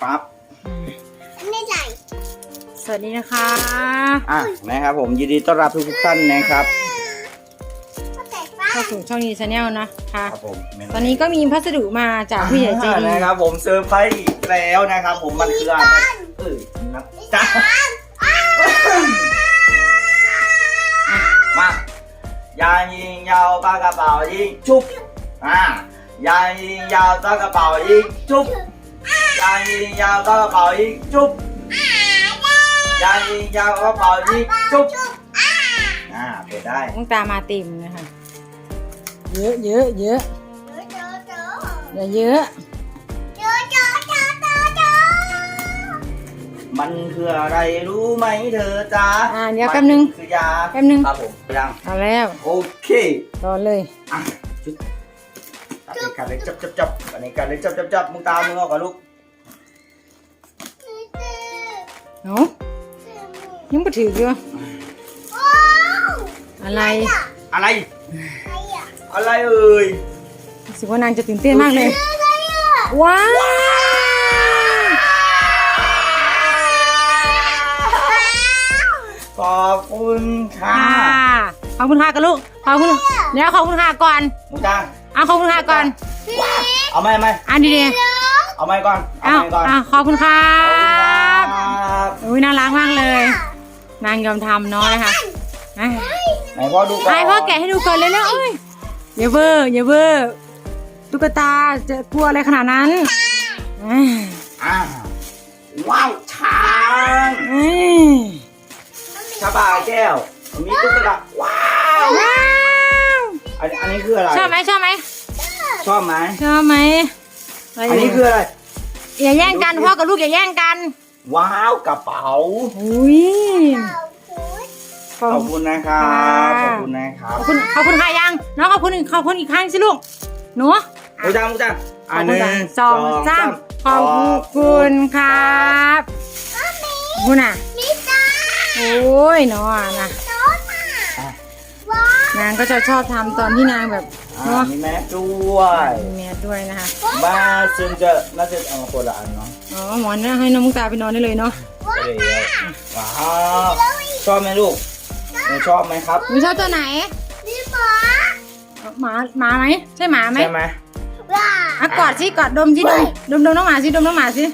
ปั๊บไม่ใส่สวัสดีนะคะนะครับผมยินดีต้อนรับทุกท่านนะครับเข้าสู่ช่องนี้ชาแนลนะคะครับผมตอนนี้ก็มีพัสดุมาจากผู้ใหญ่ใจดีนะครับผมเซอร์ไพรส์อีกแล้วนะครับผมมันคืออะไรนะจ๊ะมายายิงยาวปากกระเป๋ายิงชุบยายิงยาวปากกระเป๋ายิงชุบยายิงยาวปากกระเป๋ายิงชุบยายิงยาวปากกระเป๋ายิงชุบเปิดได้ต้องตามมาติ่มนะคะเยอะเยอะเยอะอย่าเยอะมันคืออะไรรู้ไหมเธอจ๊ะเดี๋ยวแป๊บนึงคือยาแป๊บนึงครับผมยังเอาแล้วโอเครอเลยจุดตัดในการเลยจับอันนี้การเลยจับมึงตามมึงออกกับลูกเนาะยังไม่ถือเลยอะไรอะไรเอ่ยสิว่านางจะตื่นเต้นมากเลยว้าวขอบคุณค่ะขอบคุณค่ะกันลูกขอบคุณเดี๋ยวขอบคุณค่ะก่อนมูจ้าขอบคุณค่ะก่อนเอาไหมดีเอาไหมก่อนขอบคุณค่ะอุ้ยน่ารักมากเลยนางยอมทำเนาะนะคะไหนพ่อดูก่อนพ่อแกะให้ดูก่อนเลยแล้วอย่าเวอร์ตุ๊กตาจะกลัวอะไรขนาดนั้นว้าวช้างชาบาแก้วมีตุ๊กตาว้าวอันนี้คืออะไรชอบไหมชอบไหมอันนี้คืออะไรอย่าแย่งกันพ่อกับลูกอย่าแย่งกันว้าวกระเป๋าขอบคุณนะครับขอบคุณค่ะยังน้องขอบคุณอีกครั้งสิลูกหนูมูจัง 1 2 3ขอบคุณครับคุณโอ้ยน้องนะนางก็จะชอบทำตอนที่นางแบบมีแมสด้วยนะคะบ้าซึ่งน่าจะเอามาคนละอันเนาะหมอนให้น้องมุกตาไปนอนได้เลยเนาะว้าวชอบไหมลูกชอบไหมครับชอบตัวไหนหมาไหมใช่หมาไหมใช่ไหมกอดสิกอดดมน้องหมาสิดมน้องหมาสิ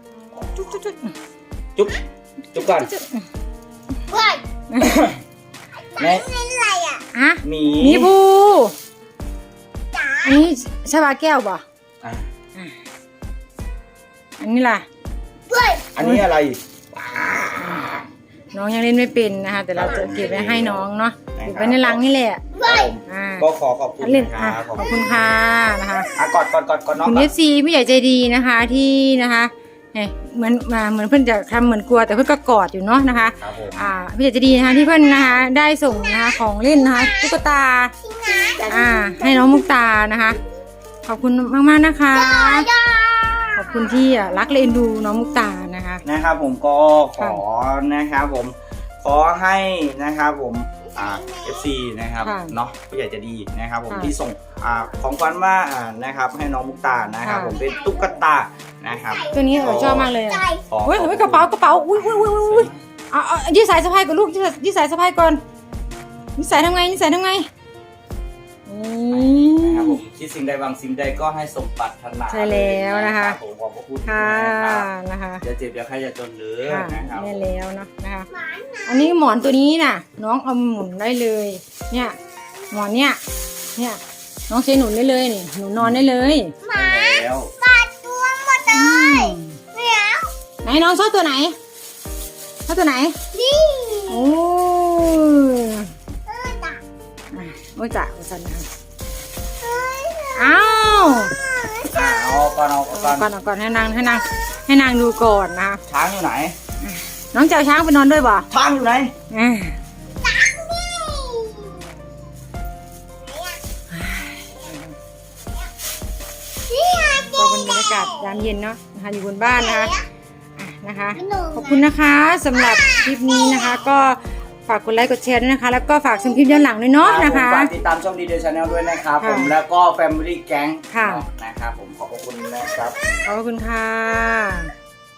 จุ๊บก่อนแม่เป็นอะไรหมีบูอันนี้ชาบาแก้วป่ะอันนี้ล่ะอันนี้อะไรน้องยังเล่นไม่เป็นนะคะแต่เราจะเก็บไว้ให้น้องเนาะเก็บไว้ในรังนี่แหละก็ขอบคุณขอบคุณค่ะนะคะกอดน้องคุณFCผู้ใหญ่ใจดีนะคะที่นะคะเหมือนเพื่อนจะทำเหมือนกลัวแต่เพื่อนก็กอดอยู่เนาะนะคะผู้ใหญ่ใจดีนะคะที่เพื่อนนะคะได้ส่งนะคะของเล่นนะคะตุ๊กตาให้น้องมุกตานะคะขอบคุณมากๆนะคะขอบคุณที่รักและเอ็นดูน้องมุกตานะครับผมก็ขอนะครับผมขอให้นะครับผมFC นะครับเนาะผู้ใหญ่จะดีนะครับผมที่ส่งของขวัญมานะครับให้น้องมุกตานะครับผมเป็นตุ๊กตานะครับตัวนี้ชอบมากเลยเฮ้ยกระเป๋าอุ้ยยืดสายสะพายก่อนลูกยืดสายสะพายก่อนยืดสายทำไงนะครับผมคิดสิ่งใดบางสิ่งใดก็ให้สมปรารถนาใช่แล้วนะคะผมขอบพระคุณนะคะจะเจ็บอย่าใครจะจนหรือนะครับใช่แล้วเนาะนะคะอันนี้หมอนตัวนี้น่ะน้องเอาหมุนได้เลยเนี่ยหมอนเนี่ยน้องใช้หนุนได้เลยนี่หนูนอนได้เลยหมาตัวหมดเลยไหนน้องชอบตัวไหนนี่โอ้จ่าสันนะก่อนให้นางดูก่อนนะช้างอยู่ไหนน้องเจ้าช้างไปนอนด้วยบ่ช้างอยู่ไหนก็เป็นบรรยากาศยามเย็นเนาะนะคะอยู่บนบ้านนะคะขอบคุณนะคะสำหรับคลิปนี้นะคะก็ฝากกดไลค์กดแชร์ด้วยนะคะแล้วก็ฝากชมคลิปย้อนหลังด้วยเนาะนะคะฝากติดตามช่องดีเดย์ชาแนลด้วยนะครับผมแล้วก็ Family Gang นะครับผมขอบคุณนะครับขอบคุณค่ะ